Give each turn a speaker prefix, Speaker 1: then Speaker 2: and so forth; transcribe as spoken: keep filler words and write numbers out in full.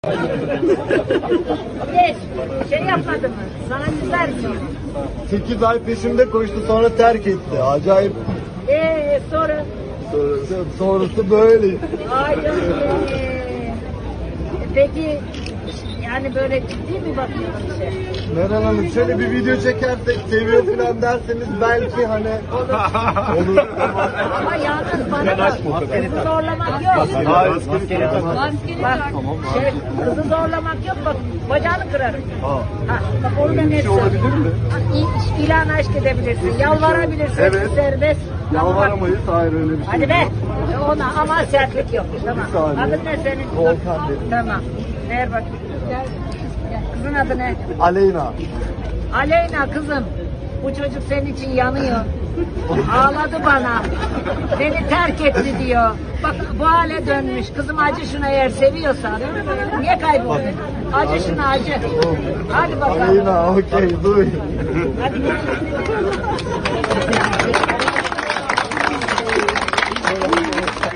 Speaker 1: Geç. Şey yapmadı mı? Sana güzel mi?
Speaker 2: sekiz ay peşimde koştu, sonra terk etti. Acayip.
Speaker 1: Eee sonra?
Speaker 2: Sonrası, sonrası böyle.
Speaker 1: Ay canım. Ee, Peki yani böyle ciddi mi bakıyorsun işe?
Speaker 2: Meral Hanım, şöyle bir video çekersek, seviyor falan derseniz belki hani olur.
Speaker 1: Ama yalnız bana bak, kızı zorlamak yok.
Speaker 2: Hayır.
Speaker 1: Bak, şey, kızı zorlamak yok, bak bacağını kırarım.
Speaker 2: Ha.
Speaker 1: Ha, bak onu da net
Speaker 2: şey olabilir mi?
Speaker 1: İ- İlan aşk edebilirsin, yalvarabilirsin,
Speaker 2: Evet.
Speaker 1: serbest. Ama bak-
Speaker 2: Yalvaramayız, hayır öyle bir şey.
Speaker 1: Hadi be, ona ama sertlik yok. Tamam.
Speaker 2: Bir saniye.
Speaker 1: Adın ne senin?
Speaker 2: Volkan benim.
Speaker 1: Tamam. Ver bakayım. Kızın adı ne?
Speaker 2: Aleyna.
Speaker 1: Aleyna kızım, bu çocuk senin için yanıyor. Ağladı bana. Beni terk etti diyor. Bak bu hale dönmüş. Kızım acı şuna, eğer seviyorsan. Niye kayboldun? Acı şuna acı. Hadi bakalım.
Speaker 2: Aleyna, okey, duy.
Speaker 1: Hadi.